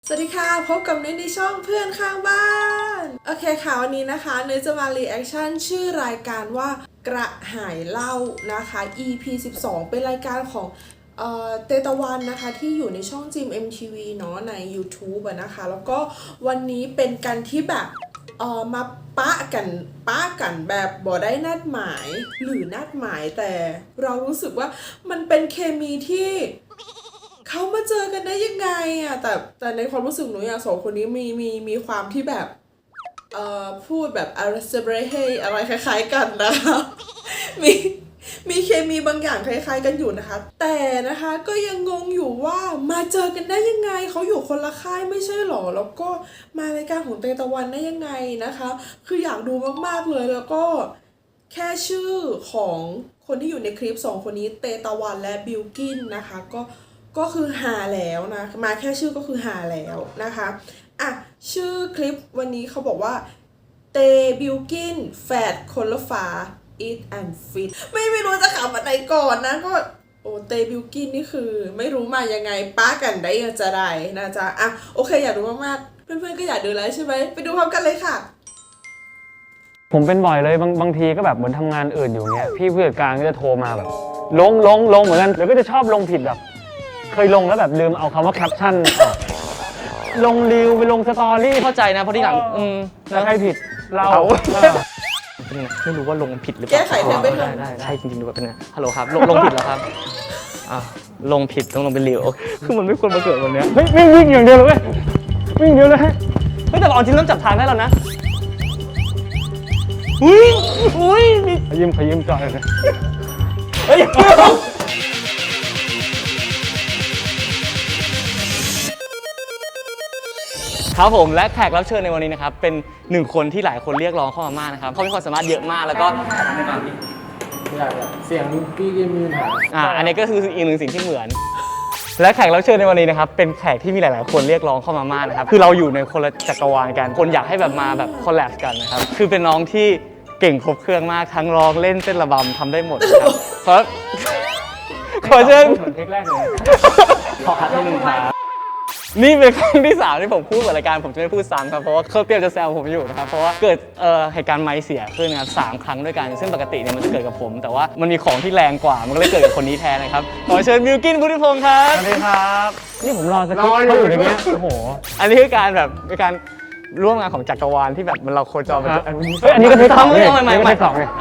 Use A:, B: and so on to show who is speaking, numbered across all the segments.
A: สวัสดีค่ะพบกับนุ้ยในช่องเพื่อนข้างบ้านโอเคค่ะวันนี้นะคะนุ้ยจะมารีแอคชั่นชื่อรายการว่ากระหายเหล้านะคะ EP 12เป็นรายการของเตตะวันนะคะที่อยู่ในช่องจิม MTV เนาะใน YouTube นะคะแล้วก็วันนี้เป็นกันที่แบบมาปะกันแบบบ่ได้นัดหมายหรือนัดหมายแต่เรารู้สึกว่ามันเป็นเคมีที่เขามาเจอกันได้ยังไงอะแต่ในความรู้สึกหนูอย่างสองคนนี้มีความที่แบบพูดแบบอะไรเซเบรเฮอะไรคล้ายๆกันนะคะมีเคมีบางอย่างคล้ายๆกันอยู่นะคะแต่นะคะก็ยังงงอยู่ว่ามาเจอกันได้ยังไงเขาอยู่คนละค่ายไม่ใช่หรอแล้วก็มารายการของเตตะวันได้ยังไงนะคะคืออยากดูมากๆเลยแล้วก็แค่ชื่อของคนที่อยู่ในคลิป2คนนี้เตตะวันและบิลกินนะคะก็คือหาแล้วนะมาแค่ชื่อก็คือหาแล้วนะคะอ่ะชื่อคลิปวันนี้เขาบอกว่าเตบิลกินแฟดคนละฝา eat and fit ไม่รู้จะขำอะไรก่อนนะก็โอ้เตบิลกินนี่คือไม่รู้มายังไงป้ากันได้ยังจะได้นะจ๊ะอ่ะโอเคอยากดูมากๆเพื่อนๆก็อยากดูแล้วใช่ไหมไปดูพร้อมกันเลยค่ะ
B: ผมเป็นบ่อยเลยบางทีก็แบบเหมือนทำงานอื่นอยู่เงี้ยพี่ผู้จัดการก็จะโทรมาแบบลงเหมือนกันแล้วก็จะชอบลงผิดแบบเคยลงแล้วแบบลืมเอาคำว่าแคปชั่นลงรีวไปลงสตอรี่
C: เข้าใจนะเพราะที่หลัง
B: แล้วใครผิดเรา
C: ไม่รู้ว่าลงผิดหรือเป
A: แก้
C: ล่า
A: ไขเธอไปเถอะ
C: ได้ใช่จริงๆดูแบบเป็นไงฮัลโหลครับลงผิดแล้วครับลงผิดต้องลงเป็นรีวคือมันไม่ควรมาเกิดวันนี้
B: เฮ้ยวิ่งอย่างเดียวเลยเว้ยวิ่งเดียวเลย
C: เฮ้ยแต่เอาจริงเริ่มจับทางได้แล้วนะอุ้ยมี
B: ขยิ้มจอยเลย
C: เฮ้ยครับผมและแขกรับเชิญในวันนี้นะครับเป็นหนึ่งคนที่หลายคนเรียกร้องเข้ามามากนะครับเขามีความสามารถเยอะมากแล้วก็
B: เสียงพี่กินมีปัญหา
C: อันนี้ก็คืออีกหนึ่งสิ่งที่เหมือนและแขกรับเชิญในวันนี้นะครับเป็นแขกที่มีหลายๆคนเรียกร้องเข้ามามากนะครับคือเราอยู่ในคนละจักรวาลกันคนอยากให้แบบมาแบบคอลแลบกันนะครับคือเป็นน้องที่เก่งครบเครื่องมากทั้งร้องเล่นเต้นระบำทำได้หมดนะครับขอเชิญ
B: เทคแรกเลย
C: ขอคัดให้หนึ่งครับนี่เป็นครั้งที่3ที่ผมพูดกับรายการผมจะไม่พูดซ้ำครับเพราะว่าเขาเตรียมจะแซวผมอยู่นะครับเพราะว่าเกิดเหตุการณ์ไม้เสียขึ้นนะครับ3 ครั้งด้วยกันซึ่งปกติเนี่ยมันจะเกิดกับผมแต่ว่ามันมีของที่แรงกว่ามันก็เลยเกิดกับคนนี้แทนนะครับขอเชิญบิลกินบุฒิพงศ์ครับ
B: สวัสดีครับนี่ผมรอสคริปต์เขาอยู่อย่างเงี้ยโอ้โห
C: อันนี้คือการแบบเป็นการร่วมงานของจักรวาลที่แบบมันเราโคจรมา
B: อันนี้ก็เทค2เลย
C: ไม่
B: 2เลย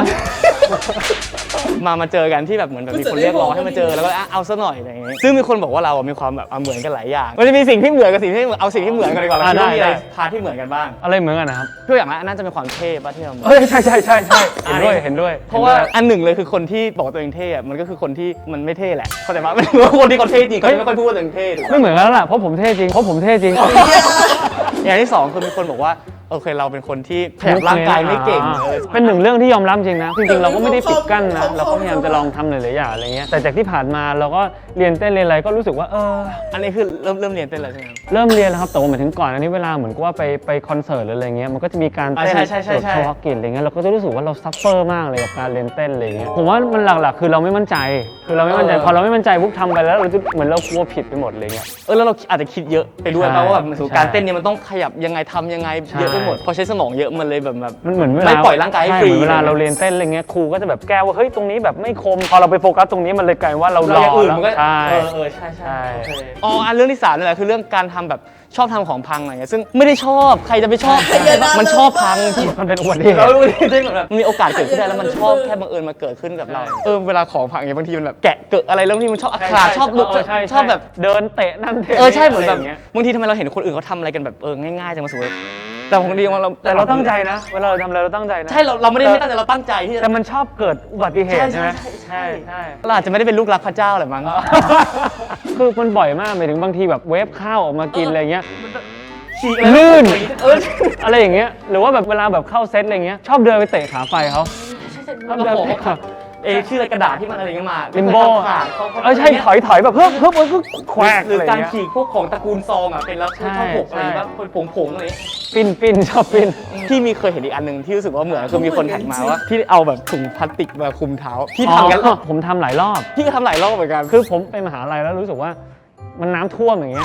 C: มาเจอกันที่แบบเหมือนแบบมีคนเรียกร้องให้มาเจอแล้วก็เอาซะหน่อยอะไรอย่างเงี้ยซึ่งมีคนบอกว่าเรามีความแบบเหมือนกันหลายอย่างมันจะมีสิ่งที่เหมือนกับสิ่งที่เอาสิ่งที่เหมือนกันดีกว่าแล้วมีอะไรพาที่เหมือนกันบ้าง
B: อะไรเหมือนกันนะครับ
C: ตัวอย่างน่าจะเป็นความเท่ป่ะที่เรา
B: ใช่เห็นด้วย
C: เพราะว่าอันหนึ่งเลยคือคนที่บอกตัวเองเท่มันก็คือคนที่มันไม่เท่แหละเข้าใจไหมไม่รู้ว่าคนที่เขาเท่จริงเขาไม่ค่อยพูดว่าตัวเองเท่
B: ไม่เหมือนกันแล้วล่ะเพราะผมเท่จริง
C: อย่างที่2คือมีคนบอกว่าโอเคเราเป็นคนที่ขยับร่างกายไม่เก่ง
B: เป็นหนึ่งเรื่องที่ยอมรับจริงนะจริงๆเราก็ไม่ได้ปิดกั้นนะเราก็พยายามจะลองทำหลายๆอย่างอะไรเงี้ยแต่จากที่ผ่านมาเราก็เรียนเต้นเรียนอะไรก็รู้สึกว่า
C: อันนี้คือเริ่มเรียนเต้นแล้วใช่ไหม
B: เริ่มเรียนแล้วครับแต่ว่าหมายถึงก่อนอันนี้เวลาเหมือนกับว่าไปคอนเสิร์ตหรืออะไรเงี้ยมันก็จะมีการเต้นโชว์กินอะไรเงี้ยเราก็จะรู้สึกว่าเราซัฟเฟอร์มากเลยกับการเรียนเต้นอะไรเงี้ยผมว่ามันหลักๆคือเราไม่มั่นใจพอเราไม่มั่นใจปุ๊บทำไปแล้วเราจะเหมือนเรากลัวผิดไปหมดเลยเงี้ย
C: แล้วเราอาจจะคิดเยอะไปด้วยเพราะว่าแบบการเต้นเนี่ยมันต้องขยับยังไงทำยังไงเยอะไปหมดพอใช้สมองเยอะมันเลยแบบ
B: มันเหมือนเวลา
C: ไม่ปล่อยร่างกายให้ฟรี
B: เวลาเราเรียนเต้นอะไรเงี้ยครูก็จะแบบแก้ว่าเฮ้ยตรงนี้แบบไม่คมพอเราไปโฟกัสตรงนี้มันเลยกลายว่าเราหล่อแล้ว
C: ใช่เรื่องที่3นี่แหละคือเรื่องการทำแบบชอบทำของพังอะไรเงี้ยซึ่งไม่ได้ชอบใครจะไปชอบมันชอบพัง
B: มันเป็นอุบัติเหตุ
C: แบบมีโอกาสเกิดขึ้นได้แล้วมันชอบแค่บังเอิญมาเกิดขึ้นกับเราเวลาของพังอย่างบางทีมันแบบแกะเกิดอะไรแล้วบางทีมันชอบขาดชอบลุกชอบแบบ
B: เดินเตะนั่นเตะ
C: ใช่เหมือนแบบบางทีทำไมเราเห็นคนอื่นเขาทำอะไรกันแบบง่ายๆจังมาสวยแต่ของดีของเรา
B: แต่เราตั้งใจนะเวลาเราทำอะไรเราตั้งใจนะ
C: ใช่เราไม่ได้ตั้งใจเราตั้งใจที่
B: แต่มันชอบเกิดอุบัติเหตุใช่ไหม
C: ใช่เราอาจจะไม่ได้เป็นลูกรักพระเจ้าหรือมั้ง
B: คือมันบ่อยมากหมายถึงบางทีแบบเวฟข้าวออกมากินอะไรเงี้ยลื่นอะไรอย่างเงี้ยหรือว่าแบบเวลาแบบเข้าเซตอะไรเงี้ยชอบเดินไปเตะขาไฟเขา
C: ชอบเดินชื่อกระดาษที่มันอะไรเงี้ยมา
B: ลิมโบใช่ถอยแบบเพิ่มก็แควก
C: หรือการฉีกพวกของตระกูลซองเป็นแล้วชอบผกอะไรแบบผงอะไร
B: ปิ้นชอบปิ้น
C: ที่มีเคยเห็นอีกอันหนึ่งที่รู้สึกว่าเหมือนคือมีคนแท็กมาว่าที่เอาแบบถุงพลาสติกมาคลุมเท้าที่ทำกัน
B: ผมทำหลายรอบ
C: พี่ก็ทำหลายรอบเหมือนกัน
B: คือผมไปมหาลัยแล้วรู้สึกว่ามันน้ำท่วมอย่างเงี้ย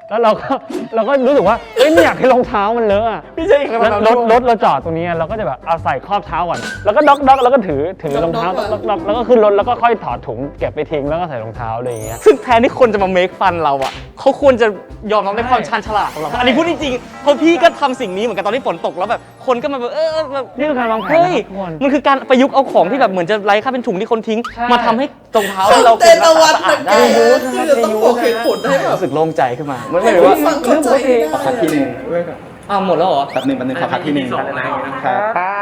B: แล้วเราก็รู้สึกว่าเอ้ยไม่อยากให้รองเท้ามันเลอะอะ
C: พี่ใช่ครับ
B: แล้วรถเราจอดตรงนี้เราก็จะแบบเอาใส่ครอบเท้าก่อนแล้วก็ด็อกแล้วก็ถือรองเท้าด็อกแล้วก็ขึ้นรถแล้วก็ค่อยถอดถุงเก็บไปทิ้งแล้วก็ใส่รองเท้าอะไรอย่างเงี้ย
C: ซึ่งแทนที่คนจะมาเมคฟันเราอ่ะเขาควรจะยอมรับในความชาญฉลาดของเราอันนี้พูดจริงๆเพราะพี่ก็ทำสิ่งนี้เหมือนกันตอนที่ฝนตกแล้วแบบคนก็มาแบบแบบ
B: นี่คือการวางแผน
C: เฮ้ย
B: นะครับทุกคน
C: มันคือการประยุกต์เอาของที่แบบเหมือนจะไร้ค่าเป็นถุงที่คนทิ้ง
B: ใช่
C: มาทำให้รองเท้า
A: คอ
C: ที่
A: น
C: เรา
A: เทนต์นวัต
C: สะอาด
A: กร
C: ได้
A: รมคือจะต้องบอกเหตุผลให้แบบ
C: รู้สึกโล่งใจขึ้นมาไม่
A: ให้
C: ได้
A: ผู้
C: ว่า
A: ฟังเข้าใจได้
D: ขอคัดที่หนึ่ง
C: อ้าวหมดแล้วเหรอ
D: แป๊บหนึ่งขอคัดที่หนึ่งครับ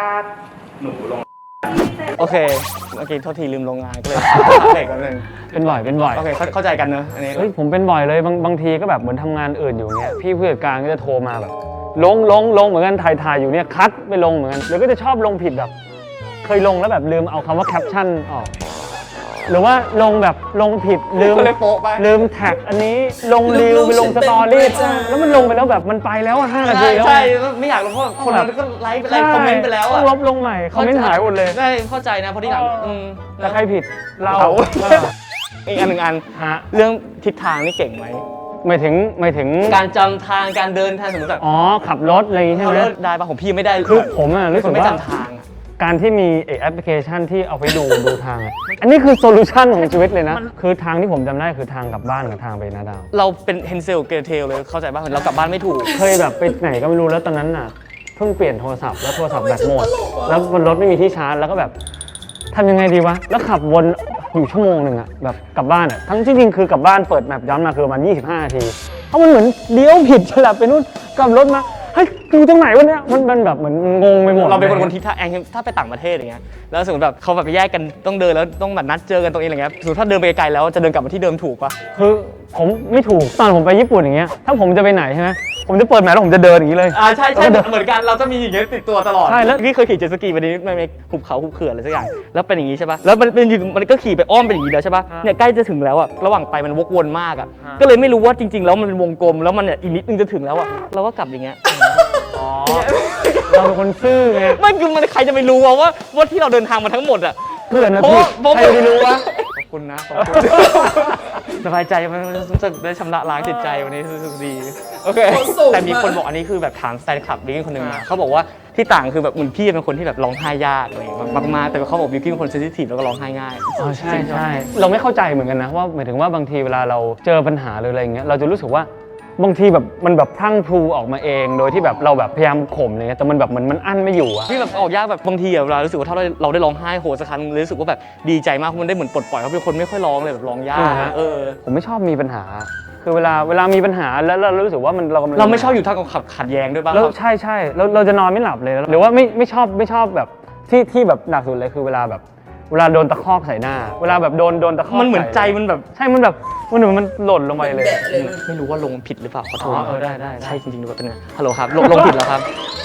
C: โอเคโทษทีลืมโรงงานก็เลยเบรกกันนึง
B: เป็นบ่อย
C: โอเคเข้าใจกันเนอะอันนี้
B: เฮ้ยผมเป็นบ่อยเลยบางทีก็แบบเหมือนทำงานอื่นอยู่เงี้ยพี่ผู้จัดการก็จะโทรมาแบบลงเหมือนกันถ่ายอยู่เนี่ยคัดไปลงเหมือนกันแล้วก็จะชอบลงผิดแบบเคยลงแล้วแบบลืมเอาคำว่าแคปชั่นออกหรือว่าลงแบบลงผิดลืม
C: ก็เลยโป๊ะไป
B: ลืมแท็กอันนี้ลงรีวไปลงสตอรี่แล้วมันลงไปแล้วแบบมันไปแล้วอะ5 นาทีแล้ว
C: ใช่ไม่อยากลงเพราะคนนั้นก็ไลค์ไปคอมเมนต์ไปแล้ว
B: ต้
C: อะ
B: องลบลงใหม่คอมเมนต์หายหมดเลย
C: ได้เข้าใจนะเพราะที่หลัง
B: แต่ใครผิดเรา
C: อีกอันหนึ่งอัน
B: ฮะ
C: เรื่องทิศทางนี่เก่งไหม
B: หมายถึง
C: การจำทางการเดินทางสมมติแบบ
B: อ๋อขับรถอะไรอย่างงี้ใช่ไหม
C: ได้ป่ะผมพี่ไม่ได้
B: คือผมอะรู้สึก
C: ไม่
B: ว่า
C: จำทางอะ
B: การที่มีแอปพลิเคชันที่เอาไปดูทางอะอันนี้คือโซลูชันของชีวิตเลยนะ คือทางที่ผมจำได้คือทางกลับบ้านกับทางไปนาดาว
C: เราเป็นเฮนเซลเกเทลเลยเข้าใจป่ะเหมือนเรากลับบ้านไม่ถูก
B: เคยแบบไปไหนก็ไม่รู้แล้วตอนนั้นน่ะเพิ่งเปลี่ยนโทรศัพท์แล้วโทรศัพท์แบตหมดแล้วบนรถไม่มีที่ชาร์จแล้วก็แบบทำยังไงดีวะแล้วขับวนอยู่ชั่วโมงหนึ่งอะแบบกลับบ้านอะทั้งจริงๆคือกลับบ้านเปิดแมปย้อนมาคือประมาณ25 นาทีเพราะมันเหมือนเลี้ยวผิดฉลับไปนู่นกลับรถมาเฮ้ยอยู่ตรงไหนวะเนี่ยมันแบบเหมือนงงไปหมด
C: เราเป็นคนทิศทางถ้าไปต่างประเทศอย่างเงี้ยแล้วสมมติแบบเขาแบบไปแยกกันต้องเดินแล้วต้องแบบนัดเจอกันตรงนี้อะไรเงี้ยสมมติถ้าเดินไปไกลๆแล้วจะเดินกลับมาที่เดิมถูกป่ะ
B: คือผมไม่ถูกตอนผมไปญี่ปุ่นอย่างเงี้ยถ้าผมจะไปไหนใช่ไหมผมจะเปิดแมปแล้วผมจะเดินอย่างนี้เลย
C: ใช่เหมือนกันเราจะมีอย่างเงี้ยติดตัวตลอด
B: ใช่แล้ว
C: พี่เคยขี่เจ็ตสกีวันนี้ไม่หุบเขาหุบเขื่อนอะไรสักอย่างแล้วเป็นอย่างงี้ใช่ป่ะแล้วมันก็ขี่ไปอ้อมเป็นอย่างงี้แล้วใช่ป่ะเนี่ยใกล้จะถึงแล้วอะระหว่างไปมันวกวนมากอะก็เลยไม่รู้ว่าจริงๆแล้วมันเป็นวงกลมแล้วมันเนี่ยอีกนิดนึงจะถึงแล้วอะเราก็กลับอย่างเงี้ย
B: อ๋อเราเป็นคนซื่อไง
C: ไม่คือมันใครจะไปรู้ว่าที่เราเดินทางมาทั้งหมดอะ
B: เพื่อนนะ
C: เพราะ
B: พี่
C: ว่า
B: ใครจะรู้วะ
C: ขอบคุณนะขอบคุณ สบายใจมันรู้สึกได้ชำระล้างจิตใจวันนี้รู้สึกดีโอเค
A: ขอส่ง
C: แต่มีคน
A: มา
C: บอกอันนี้คือแบบถามแฟนคลับบิวกิ้นคนหนึ่งมาเขาบอกว่าที่ต่างคือแบบเหมือนพี่เป็นคนที่แบบร้องไห้ยากอะไรอย่างเงี้ยมากๆแต่เขาบอกบิวกิ้นเป็นคนเซนซิทีฟแล้วก็ร้องไห้ง่าย
B: อ๋อใช่เราไม่เข้าใจเหมือนกันนะว่าหมายถึงว่าบางทีเวลาเราเจอปัญหาหรืออะไรอย่างเงี้ยเราจะรู้สึกว่าบางทีแบบมันแบบพรั่งพรูออกมาเอง โดยที่แบบเราแบบพยายามข่มอะไรเงี้ยแต่มันแบบมันอั้นไม่อยู่อะ
C: ที่แบบออกยากแบบบางทีอะเวลารู้สึกว่าถ้าเราได้ร้องไห้โหสักครั้งรู้สึกว่าแบบดีใจมากเพราะมันได้เหมือนปลดปล่อยเขาเป็นคนไม่ค่อยร้องเลยแบบร้องยาก
B: ผมไม่ชอบมีปัญหา คือเวลามีปัญหาแล้วเรารู้สึกว่ามันเรากำลัง
C: เราไม่ชอบอยู่ท่ามกลางขัดแย้งด้วยป่ะ
B: แล้วใช่เราจะนอนไม่หลับเลยหรือว่าไม่ชอบแบบที่แบบหนักสุดเลยคือเวลาโดนตะคอกใส่หน้า เวลาแบบโดนตะคอก
C: มันเหมือนใจ
B: ใส่
C: มันแบบ
B: ใช่มันแบบมันเหมือนมันหล่นลงไปเลย
A: แบะเลยนะ
C: ไม่รู้ว่าลงผิดหรือเปล่าขอโทษ
B: ได้
C: ใช่จริงๆดูแบบเป็นไงฮัลโหลครับลงผิดแล้วครับ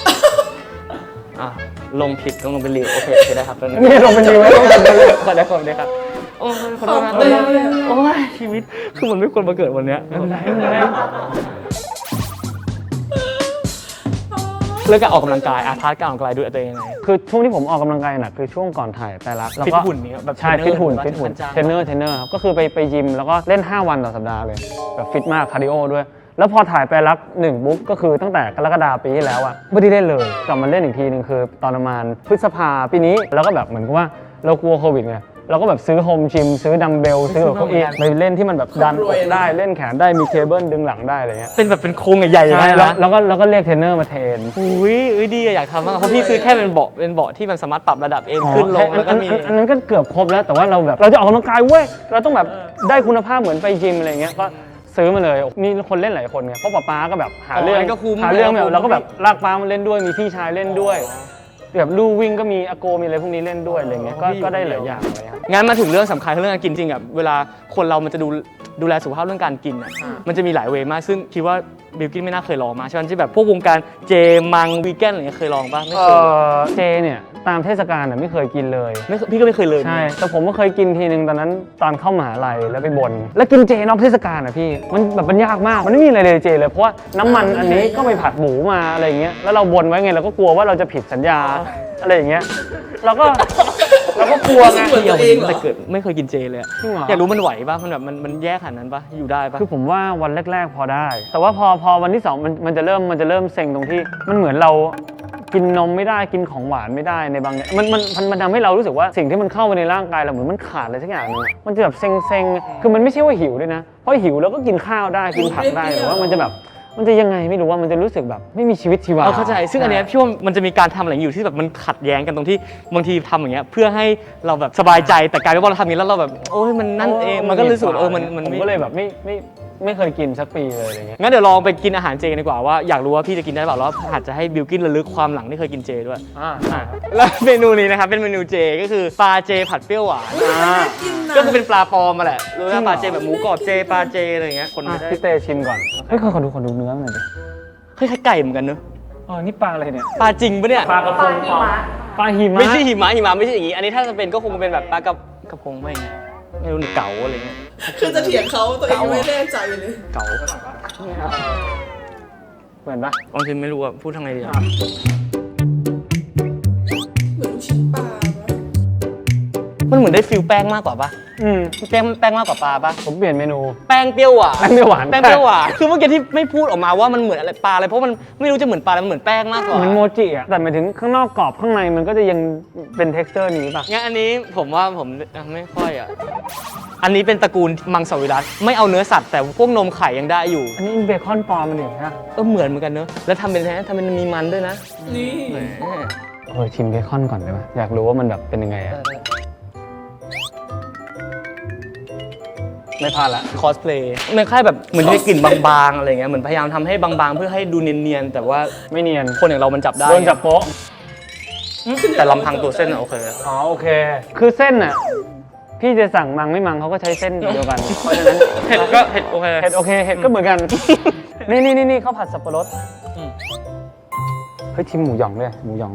C: ลงผิดต้องลงเป็นรีวโอเคได้ครับ
B: นี่ลงเป็นรีวไว้ลงเป็นรีว
C: ขอได้ครับโอ้ยขอโทษนะโอ้ยชีวิตคือมันไม่ควรมาเกิดวันเนี้ยเรื่องการออกกำลังกายพาร์ทการออกกำลังกายดูตัวเองยังไง
B: คือช่วงที่ผมออกกำลังกายหนักคือช่วงก่อนถ่ายแต่ละแล้ว
C: ฟิต
B: ก็
C: หุ่นนี่แบบ
B: ใช่ฟิตหุ่น
C: จ้าง
B: เทรนเนอร์ครับก็คือไปยิมแล้วก็เล่น5 วันต่อสัปดาห์เลยแบบฟิตมากคาร์ดิโอด้วย แล้วพอถ่ายไปรัก1ปุ๊บก็คือตั้งแต่กรกฎาคมปีที่แล้วอะไม่ได้เล่นเลยกลับมาเล่นอีกทีนึงคือตอนประมาณพฤษภาปีนี้แล้วก็แบบเหมือนกับว่าเรากลัวโควิดไงเราก็แบบซื้อโฮมจิมซื้อดัมเบลซื้อแบบเก้าอี้ไปเล่นที่มันแบบดันอกได้เล่นแขนได้มีเคเบิลดึงหลังได้อะไรเงี้ย
C: เป็นแบบเป็นโครงใหญ่ๆอย่าง
B: ใช่
C: นั้น
B: แล้ว
C: นะ
B: แล้วก็เรียกเทรนเนอร์มาเทรน
C: อุ้ยดีอยากทำมากเพราะพี่ซื้อแค่เป็นเบาะที่มันสามารถปรับระดับเองขึ้นลงแล้วก็มี
B: อันนั้นก็เกือบครบแล้วแต่ว่าเราแบบเราจะออกกำลังกายเว้ยเราต้องแบบได้คุณภาพเหมือนไปจิมอะไรเงี้ยก็ซื้อมาเลยมีคนเล่นหลายคนไงเพราะป๊าก็แบบหาเรื่อง
C: ก็คุ้ม
B: แบบเราก็แบบลากป๊ามาเล่นด้วยมีพี่ชายเล่นด้วยแบบลู่วิ่งก็มีอาโกมีอะไรพวกนี้เล่นด้วยอะไรเงี้ยก็ได้หลายอย่างเลยครับ
C: งั้นมาถึงเรื่องสำคัญเรื่องการกินจริงอ่ะเวลาคนเรามันจะดูแลสุขภาพเรื่องการกินอ่ะมันจะมีหลายเวย์มากซึ่งคิดว่าบิลกิ้นไม่น่าเคยลองมาใช่ไหมที่แบบพวกวงการเจมังวีแกนอะไรเงี้ยเคยลองป่ะไม่เคย
B: เจเนี่ยตามเทศกาลไม่เคยกินเลย
C: พี่ก็ไม่เคยเลย
B: ใช่แต่ผมก็เคยกินทีนึงตอนนั้นตอนเข้ามหาลัยแล้วไปบนแล้วกินเจนอกเทศกาลอ่ะพี่มันแบบมันยากมากมันไม่มีอะไรเลยเจเลยเพราะว่าน้ำมันอันนี้ก็ไปผัดหมูมาอะไรอย่างเงี้ยแล้วเราบนไว้ไงเราก็กลัวว่าเราจะผิดสัญญาอะไรอย่างเงี้ยเราก็
C: เราก็กลัวไง
A: เหมือนตัวเองเหรอ
C: แต่เกิดไม่เคยกินเจเลยอะ
B: จริงเหรอ
C: อยากรู้มันไหวป่ะมันแบบมันแย่ขนาดนั้นป่ะอยู่ได้ป่ะ
B: คือผมว่าวันแรกๆพอได้ แต่ว่าพอวันที่สองมันจะเริ่มเซ็งตรงที่มันเหมือนเรากินนมไม่ได้กินของหวานไม่ได้ในบางอย่างมันทำให้เรารู้สึกว่าสิ่งที่มันเข้าไปในร่างกายเราเหมือนมันขาดอะไรสักอย่างนึงอะมันจะแบบเซ็งคือมันไม่ใช่ว่าหิวด้วยนะเพราะหิวแล้วก็กินข้าวได้กินผักได้แต่ว่ามันจะแบบมันจะยังไงไม่รู้ว่ามันจะรู้สึกแบบไม่มีชีวิตชีวา
C: เข้าใจซึ่งอันเนี้ยพี่ว่ามันจะมีการทำอะไรอยู่ที่แบบมันขัดแย้งกันตรงที่บางทีทำอย่างเงี้ยเพื่อให้เราแบบสบายใจแต่กลายเป็นว่าเราทำอย่างนี้แล้วเราแบบโอ้ยมันนั่นเองมันก็รู้สึกว่ามัน
B: ผมก็เลยแบบไม่เคยกินสักปีเลยอะไรเงี้ย
C: งั้นเดี๋ยวลองไปกินอาหารเจกันดีกว่าว่าอยากรู้ว่าพี่จะกินได้เปล่าแล้วอาจจะให้บิลกินระลึกความหลังที่เคยกินเจด้วย แล้วเมนูนี้นะครับเป็นเมนูเจก็คือปลาเจผัดเปรี้ยวหวาน
A: น่ากินนะ
C: ก็คือเป็นปลาปลอมมาแหละรู้ว่าปลาเจแบบหมูกรอบเจปลาเจอะไรอย่างเงี้ยคนไม่ได้
B: พี่เตชิมก่อนเฮ้ยขอดูเนื้อหน่อยดิ
C: คล้ายๆไก่เหมือนกันเนอะ
B: อ๋อนี่ปลาอะไรเนี่ย
C: ปลาจริงปะเนี่ย
B: ปลากระพงปลาหิมะ
C: ไม่ใช่หิมะไม่ใช่อย่างงี้อันนี้ถ้าจะเป็นก็คงเป็นแบบปลากระพงไม่รู้นี่เก๋าอะไรเงี้ย
A: คือจะเถียงเขาตัวเองยังไม่แน่ใจเลย
C: เก๋า
B: เหมือนปะ
C: บางทีไม่รู้อะพูดทางไงดีอะ
A: เหมือนลูกชิ้นปลาปะ
C: มันเหมือนได้ฟิลแป้งมากกว่าปะ
B: อืม
C: แป้งมากกว่าปลาปะ
B: ผมเปลี่ยนเมนู
C: แป้งเปรี้ยวหวาน
B: แป้งเปรี้ยวหวาน
C: แป้งเปรี้ยวหวานคือเมื่อกี้ที่ไม่พูดออกมาว่ามันเหมือนอะไรปลาอะไรเพราะมันไม่รู้จะเหมือนปลาอะไรมันเหมือนแป้งมากกว่า
B: เหมือนโมจิอ่ะ แต่หมายถึงข้างนอกกรอบข้างในมันก็จะยังเป็น texture นี้ป่ะ
C: งั้นอันนี้ผมว่าผมไม่ค่อยอะอันนี้เป็นตระกูลมังสวิรัติไม่เอาเนื้อสัตว์แต่พวกนมไข่ยังได้อยู่
B: อันนี้เบคอนปลอมมันเองนะ
C: เหมือนกันเนอะแล้วทำเป็นมีมันด้วยนะ
A: นี่
C: แหม
B: ชิมเบคอนก่อนได้ไหมอยากรู้ว่ามันแบบเป็นยังไงอ่ะ ไม่พลาดละ
C: คอสเพลย์มันคล้ายแบบเหมือนได้กลิ่นบางๆอะไรเงี้ยเหมือนพยายามทำให้บางๆ เพื่อให้ดูเนียนๆแต่ว่า
B: ไม่เนียน
C: คนอย่างเรามันจับได้
B: โดนจับโป๊ะ
C: แต่ลำพังตัวเส้นอะโอเค
B: อ๋อโอเค คือเส้นอ่ะ พี่จะสั่งมังไม่มังเขาก็ใช้เส้นเดียวกัน เพราะฉะนั้น
C: เห็ดก็เห็ดโอเค
B: เห็ดโอเคเห็ดก็เหมือนกัน นี่ข้าวผัดสับปะรด
C: อืม
B: เฮ้ยชิมหมูหยองด้วยหมูหยอง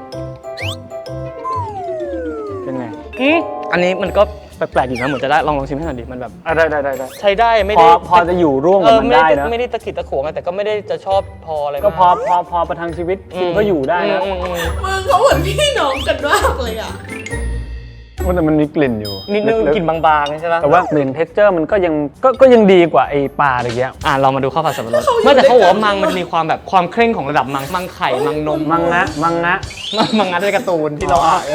B: เป็นไง
C: อันนี้มันก็แปลกๆอยู่นะเหมือนจะได้ลองชิมให้หน่อยดิมันแบบ
B: ได้
C: ใช้ได้ไม่
B: พ
C: ได้
B: อจะอยู่ร่วมกับมันได้นะ
C: ไม่ได้ตะขิดตะขวงอะแต่ก็ไม่ได้จะชอบพออะไร
B: ก็
C: มาก
B: พอประทังชีวิตกินก็อยู่ได้นะ
C: อืม
A: มึงเขาเหมือนพี่น้องกันมากเลยอ่ะ
B: แต่มันมีกลิ่นอยู่
C: นิดนึง
B: ลึกๆ
C: กลิ่นบางๆใช่ปะ
B: แต่ว่าเหมือนเท็กเจอร์มันก็ยังดีกว่าไอ้ปลาตะเกีย
C: เรามาดูข้าวผัดสับปะรด
A: เขาอยู่
C: ไม่แต่เขาบอกว่า
A: ด้วยกัน
C: มังมันจะมีความแบบความเคร่งของระดับมังไข่มังนม
B: มังงะ
C: มังงะในการ์ตูนที่เราอ่าน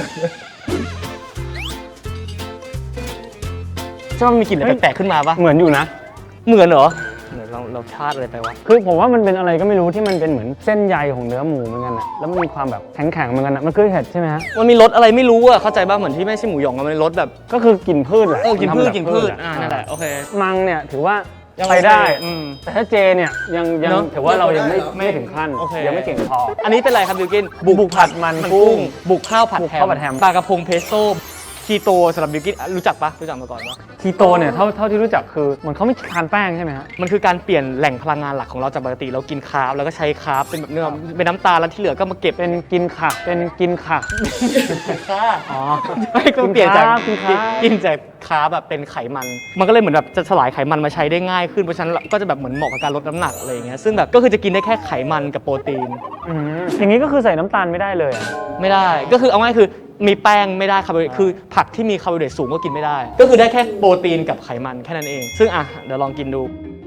C: ใช่ว่ามันมีกลิ่นอะไรแปลกๆขึ้นมาปะ
B: เหมือนอยู่นะ
C: เหมือนเหรอเหมือนเราพลาดอะไรไปวะ
B: คือผมว่ามันเป็นอะไรก็ไม่รู้ที่มันเป็นเหมือนเส้นใยของเนื้อหมูเหมือนกันอะแล้วมันมีความแบบแข็งๆเหมือนกันอะมันคือเห็ดใช่ไหมฮะ
C: มันมีรสอะไรไม่รู้อะเข้าใจป่ะเหมือนที่ไม่ใช่หมูหยองอะมันเป็นรสแบบ
B: ก็คือกลิ่นพืชแหละ
C: กินพืช
B: มัทำแบบ
C: กินพืช
B: อะ
C: นั่นแหละโอเค
B: มังเนี่ยถือว่า
C: ยัง
B: ไปได้
C: โอเคอืม
B: แต่ถ้าเจเนี่ยยัง
C: เนอะ
B: ถือว่าเรายัง
A: ไม่
B: ไม่ถึงขั้น
C: โอเค
B: ยังไม่เก่งพอ
C: อันนี้เป็นอะไรครับบิวกิน
B: บุกผัดมันกุ้ง
C: บุกข้าวผัด
B: บุก
C: แฮ
B: ข้าวผัดแฮม
C: ปลากระพงเพสโต้คีโตสำหรับบิวกินรู้จักปะรู้จักมาก่อนปะ
B: คีโตเนี่ยเท่าที่รู้จักคือเหมือนเขาไม่ทานแป้งใช่ไหมฮะ
C: มันคือการเปลี่ยนแหล่งพลังงานหลักของเราจากปกติเรากินคาร์บแล้วก็ใช้คาร์บเป็นแบบเนื้อเป็นน้ำตาลแล้วที่เหลือก็มาเก็บ
B: เป็นกินค่ะเป็นกินค่ะ
C: ค่า
B: อ๋อ
C: ไม่ก็เปลี่ยนจาก
B: กินคาร์บ
C: กินจากคาร์บแบบเป็นไขมัน มันก็เลยเหมือนแบบจะสลายไขมันมาใช้ได้ง่ายขึ้นเพราะฉะนั้นก็จะแบบเหมือนเหมาะกับการลดน้ำหนักอะไรอย่างเงี้ยซึ่งแบบก็คือจะกินได้แค่ไขมันกับโปรตีน
B: อย่างนี้ก็คือใส่น้ำตาลไม่ได้เลยอะ
C: ไม่ได้ก็คือเอาง่ายคือมีแป้งไม่ได้คาร์โบไฮเดรตคือผักที่มีคาร์โบไฮเดรตสูงก็กินไม่ได้ ก็คือได้แค่โปรตีนกับไขมันแค่นั้นเอง ซึ่งเดี๋ยวลองกินดู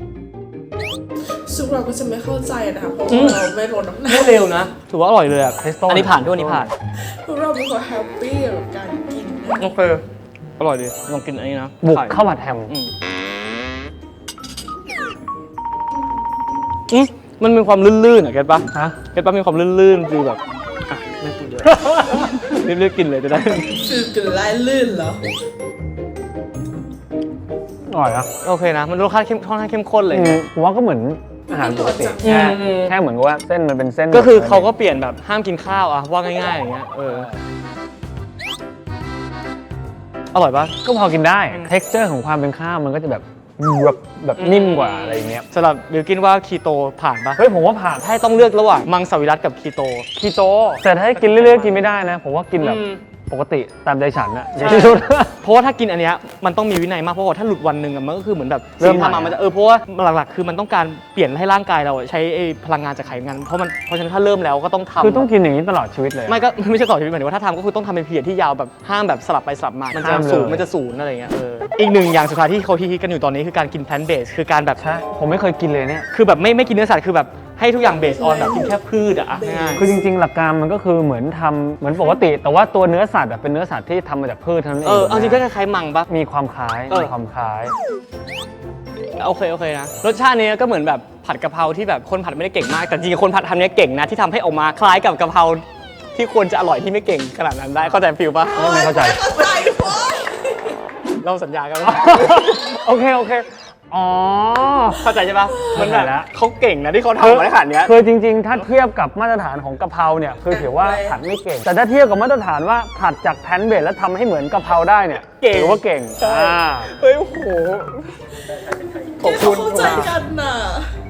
A: ซึ่งเราก็จะไม่เข้าใจนะคะเพราะ
C: อื
A: ว่าม เราไม่ลดน้ำหนัก
C: ไม่เร็วนะ ถือว่าอร่อยเลยอะ
B: Pesto
C: อันนี้ผ่านด้วยอันนี้ผ่าน
A: พวกเราเป็นคนแฮปปี้กับการกินนะ
C: โอเคอร่อยดีลองกินอันนี้นะ
B: บุก
C: ไข่
B: ข้าวผัดแฮม
C: มันมีความลื่นๆอ่ะเก็ตปะ
B: ฮะ
C: เก็ตปะมีความลื่นๆคือแบบไม่พูดเยอะ รีบๆกินเลยจะได้
A: คือกินไล่ลื่นเหรอ
B: อร่อยนะ
C: โอเคนะ มันรสชาติค่อนข้างเข้มข้นเลย
B: ผมว่าก็เหมือนอาหารปกติ
C: อืม
B: แค่เหมือนกับว่าเส้นมันเป็นเส้น
C: ก็คือเขาก็เปลี่ยนแบบห้ามกินข้าวอะว่าง่ายๆอย่างเงี้ยอร่อยปะ
B: ก็พอกินได้ texture ของความเป็นข้าวมันก็จะแบบนิ่มกว่าอะไรอย่างเงี้ย
C: สำหรับบิวกินว่าคีโตผ่านปะ
B: เฮ้ยผมว่าผ่าน
C: ถ้าต้องเลือกระหว่างมังสวิรัติกับคีโต
B: คีโตแต่ถ้าให้กินเรื่อยๆกินไม่ได้นะ ผมว่ากินแบบปกติตามใจฉันอะอย่างที่สุด
C: เพราะว่าถ้ากินอันเนี้ยมันต้องมีวินัยมากเพราะว่าถ้าหลุดวันหนึ่งอะมันก็คือเหมือนแบบ
B: เริ่ม
C: สิ่งที่
B: ใหม่
C: ทำมามันจะเพราะว่าหลักๆคือมันต้องการเปลี่ยนให้ร่างกายเราใช้ไอ้พลังงานจากไขมันเพราะฉะนั้นถ้าเริ่มแล้วก็ต้องทำ
B: คือต้องกินอย่างนี้ตลอดชีวิตเลยอะ
C: ไม่ใช่ต่อชีวิตหมายถึงว่าถ้าทำก็คือต้องทำเป็นพีเรียดที่ยาวแบบห้ามแบบสลับไปสลับมามันจะ
B: ห้ามเลย
C: ศูนย์มันจะศูนย์อะไรเงี้ยอีกหนึ่งอย่างสุดท้ายที่เขาฮิตๆกันอยู่ตอนนี้คือการกินแพลนต์เบสคือการแบบ
B: ใช่ผมไม่เคยกินเลยเนี่ย
C: คือแบบไม่กินเนื้อสัตว์คือแบบให้ทุกอย่างเบสออนแบบกินแค่พืชอะง่าย
B: คือจริงๆหลักการมันก็คือเหมือนทำเหมือนปกติ แต่ว่าตัวเนื้อสัตว์อะเป็นเนื้อสัตว์ที่ทำมาจากพืชเท่านั้นเอง
C: เอาจริงก็คล้ายๆมังปะ
B: มีความคล้าย มีความคล้าย
C: โอเคนะรสชาตินี้ก็เหมือนแบบผัดกะเพราที่แบบคนผัดไม่ได้เก่งมากแต่จริงๆคนผัดทำเนี้ยเก่งนะที่ทำให้ออกมาคล้ายกับกะเพราที่ควรจะอร่อยที่ไม่เก่งขนาดนั้นได้เข้าใจฟิลปะ
B: ไม่เข้าใจ
A: เข้าใจพอ
C: เราสัญญากันไหม
B: โอเคอ๋อ
C: เข้าใจใช่ปะมันแบบ
B: เข้าใจแล้ว
C: เขาเก่งนะที่เขาทำมาได้ขนาดเนี้ย
B: คือจริงๆ ถ้าเทียบกับมาตรฐานของกะเพราเนี่ยคือถือว่าผัดไม่เก่ง แต่ถ้าเทียบกับมาตรฐานว่าผัดจากแพนเบสแล้วทำให้เหมือนกะเพราได้เนี่ย
C: เก่ง
B: ถือว่าเก่ง
C: ใช่
B: อ่า
C: เฮ้ยโอ้โหขอบ
A: ที่
C: คุ
A: เขา
C: ณ
A: เข้าใจกันน่ะ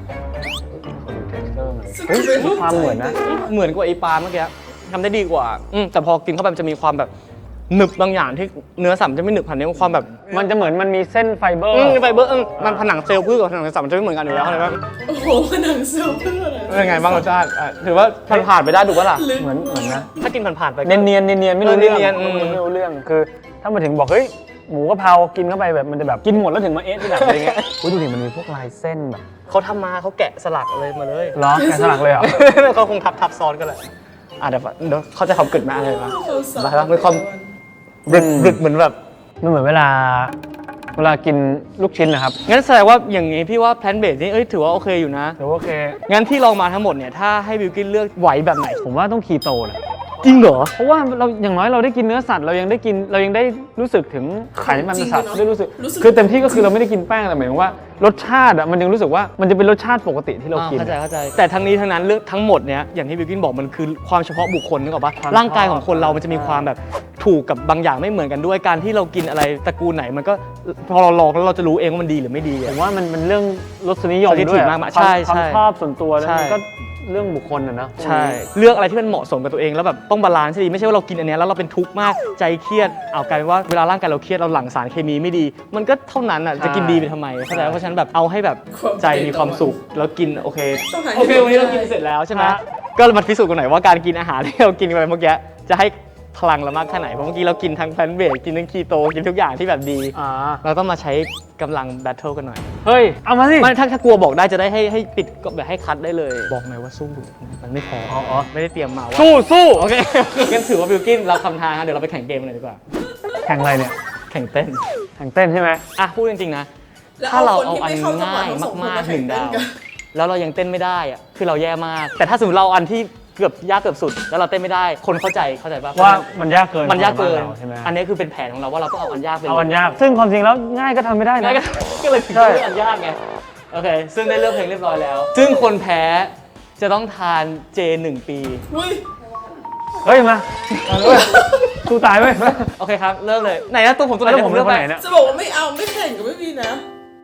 B: เฮ้ยมีความเหมือนนะ
C: เหมือนกว่าไอปลาเมื่อกี้ทำได้ดีกว่าแต่พอกินเข้าไปมันจะมีความแบบหนึบบางอย่างที่เนื้อสัตว์มันจะไม่หนึบผันนี้มันความแบบ
B: มันจะเหมือนมันมีเส้นไฟเบอร์
C: ไฟเบอร์มันผนังเซลล์พืชกับผนังสัตว์มันจะไม่เหมือนกันอยู่แล้วเข้าใจปะ
A: โอ้โหผนังเซลล์เพื่อนอะไร
C: เป็นยังไงบ้างรสชาติถือว่าผ่านไปได้ถูกปะล่ะ
A: ลึก
B: เหมือนนะ
C: ถ้ากินผ่านๆไปก็
B: เนียนไม่รู้เรื่อง
C: เนียน
B: ไม่รู้เรื่องคือถ้ามาถึงบอกเฮ้ยหมูกะเพรากินเข้าไปแบบมันจะแบบกินหมดแล้วถึงมาเอ๊ะที่หลังอะไรเงี้ยอุ้ยดูดิมันมีพวกลายเส้นแบบ
C: เขาทำมาเขาแกะสลักเลยมาเลย
B: ล้อแกะสลักเลยเหรอ
C: เขาคงทับซ้อนกันแหละเดี๋ยวเขาจะทำกึดมาอะไรมา
A: เขาสอน
C: อะไรวะมีความ ดึกเหมือนแบบ
B: มันเหมือนเวลากินลูกชิ้นนะครับ
C: งั้นแสดงว่าอย่างงี้พี่ว่าแพลนเบสนี่ถือว่าโอเคอยู่นะ
B: ถือว่าโอเค
C: งั้นที่ลองมาทั้งหมดเนี่ยถ้าให้บิวกินเลือกไหวแบบไหน
B: ผมว่าต้องคีโตนะ
C: จริงเหรอ
B: เพราะว่าเราอย่างน้อยเราได้กินเนื้อสัตว์เรายังได้รู้สึกถึงไขมันสัตว์ได้รู้สึกคือเต็มที่ก็คือเราไม่ได้กินแป้งแต่หมายถึงว่ารสชาติอ่ะมันยังรู้สึกว่ามันจะเป็นรสชาติปกติที่เรากิน
C: เข้าใจแต่ทั้งนี้ทั้งนั้นเรื่องทั้งหมดเนี้ยอย่างที่บิวกินบอกมันคือความเฉพาะบุคคลนึกออกปะ
B: ความ
C: ร่างกายของคนเรามันจะมีความแบบถูกกับบางอย่างไม่เหมือนกันด้วยการที่เรากินอะไรตระกูลไหนมันก็พอเราลองแล้วเราจะรู้เองว่ามันดีหรือไม่ดี
B: ผ
C: อะ
B: มว่ามันเรื่องรสนิยม
C: สถิติ
B: ด้วย
C: มากๆ
B: คว
C: ใช่
B: ความ
C: ใช่
B: ชอบส่วนตัวแล้ว
C: ใช่
B: มันก็เรื่องบุคคลนะนะ
C: ใช่เลือกอะไรที่มันเหมาะสมกับตัวเองแล้วแบบต้องบาลานซ์ให้ดีไม่ใช่ว่าเรากินอันเนี้ยแล้วเราเป็นทุกข์มากใจเครียดเอากลายเป็นว่าเวลาร่างกายเราเครียดเราหลั่งสารเคมีไม่ดี มันก็เท่านั้นอ่ะจะกินดีไปทำไมเข้าใจปะเพราะฉะนั้นแบบเอาให้แบบใจมีความสุขแล้วกินโอเค
A: ต้องหา
C: โอเควันนี้เรากินเสร็จแล้วใช่ไหมก็มาพิสูจน์กันหน่อยว่าการกินอาหารที่เรากินไปเมื่อกี้จะให้พลังเรามากแค่ไหนเพราะเมื่อกี้เรากินทั้งแพลนต์เบสกินทั้งคีโตกินทุกอย่างที่แบบดี
B: อ่า
C: เราต้องมาใช้กำลังแบทเทิลกันหน่อย
B: เฮ้ยเอามาสิ
C: ไม่ถ้ากลัวบอกได้จะได้ให้ปิดก็แบบให้คัดได้เลย บอกหน่อยว่าสู้มันไม่พอ
B: อ๋อ
C: ไม่ได้เตรียมมาว่า
B: สู้
C: โอเค งั้นถือว่าบิวกินเราคำทางนะเดี๋ยวเราไปแข่งเกมกันเลยดีกว่า
B: แข่งอะไรเนี่ย
C: แข่งเต้น
B: แข่งเต้นใช่ไหม
C: อ่ะพูดจริงๆนะ
A: แล้ว
C: ถ้าเราเอา
A: คน
C: อัน
A: ที่ไม่เข้จังหวะ
C: ง่าย
A: ทั้งสองคน
C: มากๆ
A: แข่
C: 1 ดาว
A: เต้นกัน
C: แล้วเรายังเต้นไม่ได้อะคือเราแย่มาก แต่ถ้าสมมติเราเอาอันที่เกือบยากเกือบสุด แล้วเราเต้นไม่ได้ คนเข้าใจป่ะ
B: ว่ามันยากเกิน
C: มันยากเกิน
B: สำหรับเราใช่ไหม
C: อันนี้คือเป็นแผนของเราว่าเราต้องเอาอันยากไป
B: เอาอันยาก ซึ่งความจริงแล้วง่ายก็ทำไม่ได้นะ
C: ง่ายก็เลยถึง
B: ใช่
C: ต้องเลือกอันยากไง โอเค ซึ่งได้เลือกเพลงเรียบร้อยแล้ว ซึ่งคนแพ้จะต้องทานเจ 1 ปี
A: อุ้ย
B: เฮ้ยมาเอาเลยเว้ยสู้ตายเว้ย
C: โอเคครับ เริ่มเลย ไหนนะตัวผมตัวไหน
B: แล้วผม
C: เลือก
B: เป็นคน
C: ไป
B: ไหนเนี่ย
A: จะบอกว่าไม่เอาไม่แข่งก็ไม่มีนะ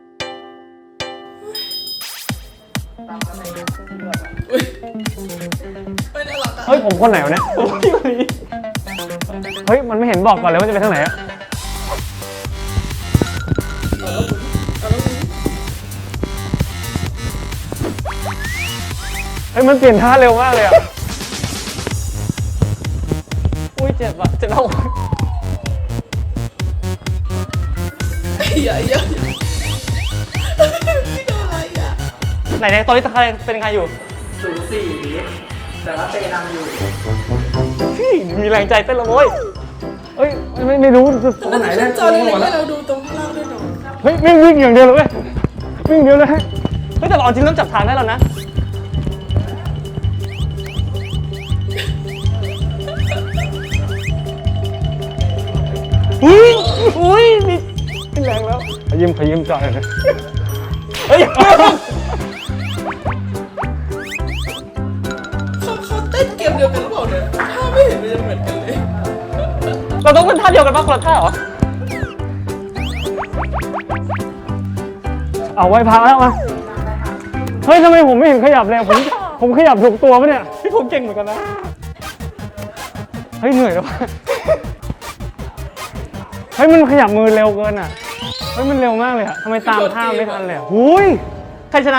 A: อุ๊ยไม่น่ารักอะ
B: เฮ้ยผมคนไหนวะเนี่ยเฮ้ยมันไม่เห็นบอกก่อนเลยว่าจะไปทางไหนอะเฮ้ยมันเปลี่ยนท่าเร็วมากเลยอะ
C: อุ้ยเจ็บอะเจ็บแล้ว
A: อย่าพี่โดนอะไรอ่ะ
C: ไหนๆตอนนี้คะแนนเป็นยังไงอยู่
D: แต่ว่าเตนำอยู่
C: พี่มีแรงใจเต้นและโว้ย
B: เฮ้ยไม่รู้จะ
A: ตรงไหนเนี่ยจอเล็กๆให้เราดูตรงข้างล่างด้วยเนาะ
B: เฮ้ยวิ่งอย่างเดียวเลยเว้ยวิ่งเดียวเลย
C: เฮ้ยแต่เอาจริงเริ่มจับทางได้แล้วนะ อุ้ยมี
B: แรงแล้วขยิมจอยเลย
C: เฮ้ย
A: เขาเต้นเกมเดียวกันหรือเปล่าเนี่ยถ้าไม่เห็นมันจะเหมือนกันเลย
C: เราต้องเป็นท่าเดียวกันป่ะคนละท่าเหรอ
B: เอาไว้พักแล้วมาเฮ้ยทำไมผมไม่เห็นขยับเลยผมขยับถูกตัวปะเนี่ย
C: พี่ผมเก่งเหมือนกันนะ
B: เฮ้ยเหนื่อยแล้ววะฮ้ยมันขยับมือเร็วเกินอ่ะเฮ้ยมันเร็วมากเลยอ่ะทำไมตามท่าไม่ทันเลยอ่ะหุย
C: ใครชนะ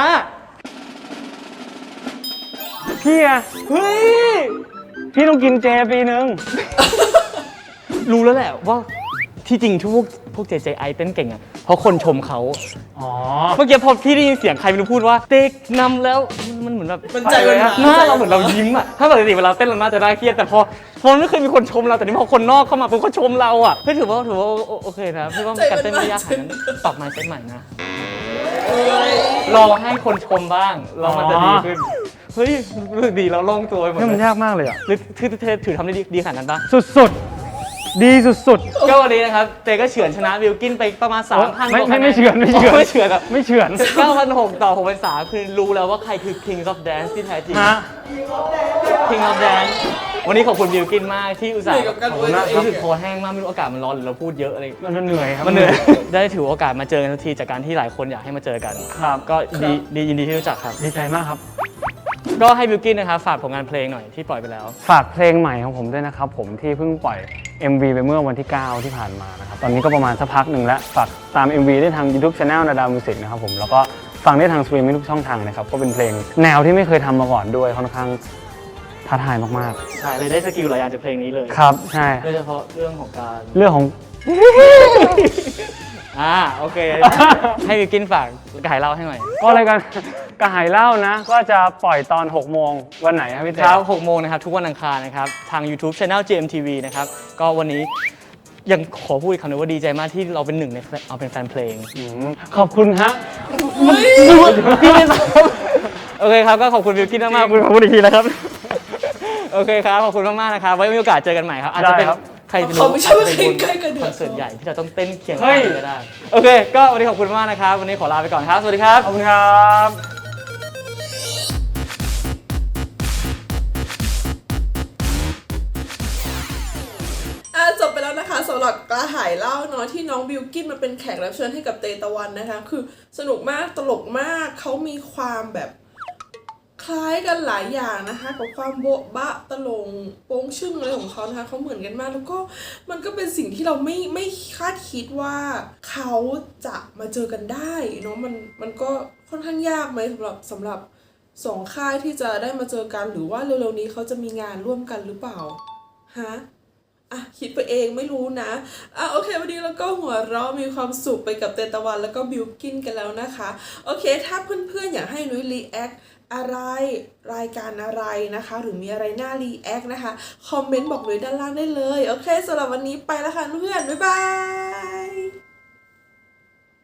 B: พี่อะ
C: เฮ้ย
B: พี่ต้องกินเจปีนึง
C: รู้แล้วแหละว่าที่จริงที่พวก JJI เต้นเก่งอ่ะเพราะคนชมเขา
B: อ๋อ
C: เมื่อกี้พอพี่ได้ยินเสียงใครไม่รู้พูดว่าเต็กนำแล้วมันเหมือนแบบ
A: มันใจมัน
C: หน้าเราเหมือนเรายิ้มอ่ะถ้าปกติเวลาเต้นเราน่าจะน่าเครียดแต่พอมันไม่เคยมีคนชมเราแต่นี่พอคนนอกเข้ามาปุ๊บเขาชมเราอ่ะพี่ถือว่าโอเคนะพี่ว่าการเต้นไม่ยากขนาดนั้นปรับ mindset ใหม่นะลองให้คนชมบ้างแล้วมันจะดีขึ้นเฮ้ยรู้สึกดีแล้วโล่งตัวไปหมด
B: นี่มัน
C: เลย
B: ยากมากเลยอ่ะ
C: หรือถือทำได้ดีขนาดนั้นปะ
B: สุดๆ ดีสุด
C: ก็วันนี้นะครับเตก็เฉือนชนะบิลกินไปประมาณ 3,000
B: ไม่เฉือนไม่เฉือน
C: ไม่เฉือนอ่ะ
B: ๆ ไม่เฉือน
C: 9,600 ต่อ 6,300 คือรู้แล้วว่าใครคือ King of Dance ที่แท้จริง
B: ฮะ
C: King of Dance วันนี้ขอบคุณบิลกินมากที่อุตส่าห์
A: เหนื่อยกับการอวยตัวเอง
C: รู้สึกคอแห้งมากไม่รู้อากาศมันร้อนหรือเราพูดเยอะอะไร
B: มันเหนื่อยครับ
C: มันเหนื่อยได้ถือโอกาสมาเจอกันทันทีจากการที่หลายคนอยากให้มาเจอกัน
B: ครับ
C: ก็ดียินดีที่รู้จักครับ
B: ดีใจมากครับ
C: ก็ให้บิลกินนะครับฝากผลงานเพลงหน่อยที่ปล่อยไปแล้ว
B: ฝากเพลงใหม่ของผมด้วยนะครับผมที่เพิ่งปล่อย MV ไปเมื่อวันที่ 9 ที่ผ่านมานะครับตอนนี้ก็ประมาณสักพักหนึ่งแล้วฝากตาม MV ได้ทาง YouTube Channel นาดามิวสิกนะครับผมแล้วก็ฟังได้ทางสตรีมมิ่งทุกช่องทางนะครับก็เป็นเพลงแนวที่ไม่เคยทำมาก่อนด้วยค่อนข้างท้าทายมาก
C: ใช่เลยได้สกิลหลายอย่างจากเพลงนี้เลย
B: ๆครับใช่
C: โดยเฉพาะเรื่องของการ
B: เรื่องของ
C: โอเค ให้บิลกินฝากกายเล่าให้หน่อย
B: ก็รายการกระหายเหล้านะก็จะปล่อยตอน 6 โมงวันไหนครับพี่เต้
C: เช้า 6 โมงนะครับ ทุกวันอังคารนะครับ ทาง YouTube Channel GMTV นะครับ ก็วันนี้ยังขอพูดอีกคำนึงว่าดีใจมากที่เราเป็นหนึ่งในเอาเป็นแฟนเพลง
B: ขอบคุณฮะ
C: พี่ไม่บอกโอเคครับ ก็ขอบคุณบิลกินมากๆขอบคุณอีกทีนะครับ โอเคครับ ขอบคุณมากๆนะครับ ไว้มีโอกาสเจอกันใหม่ครับ อาจจะเป็น
B: ได้ครับ
C: ใครจะ
A: เขาไม่ใช่ว่าเพลงใกล้กันเดื
C: ค
A: อ
C: อนเสิร์ตใหญ่ที่เราต้องเต้นเคียง
B: เฮ้
C: ข้าง
B: ย
C: กันก็ได้ โอเค ก็วันนี้ขอบคุณมากนะครับ วันนี้ขอลาไปก่อนครับ สวัสดีครับ
B: ขอบคุณครับ
A: จบไปแล้วนะคะสำหรับกระหายเหล้าเนาะที่น้องบิลกินมาเป็นแขกรับเชิญให้กับเตตะวันนะคะคือสนุกมากตลกมากเขามีความแบบคล้ายกันหลายอย่างนะคะกับความโบ๊ะบะตลงโป้งชึ่งอะไรของเขานะคะเขาเหมือนกันมากแล้วก็มันก็เป็นสิ่งที่เราไม่คาดคิดว่าเขาจะมาเจอกันได้เนาะมันก็ค่อนข้างยากไหมสำหรับสองค่ายที่จะได้มาเจอกันหรือว่าเร็วๆนี้เขาจะมีงานร่วมกันหรือเปล่าฮะคิดไปเองไม่รู้นะโอเควันนี้เราก็หัวเราะมีความสุขไปกับเตตะวันแล้วก็บิลกินกันแล้วนะคะโอเคถ้าเพื่อนๆอยากให้นุ้ยรีแอคอะไรรายการอะไรนะคะหรือมีอะไรน่ารีแอคนะคะคอมเมนต์บอกนุ้ยด้านล่างได้เลยโอเคสำหรับวันนี้ไปแล้วค่ะเพื่อนบ๊ายบาย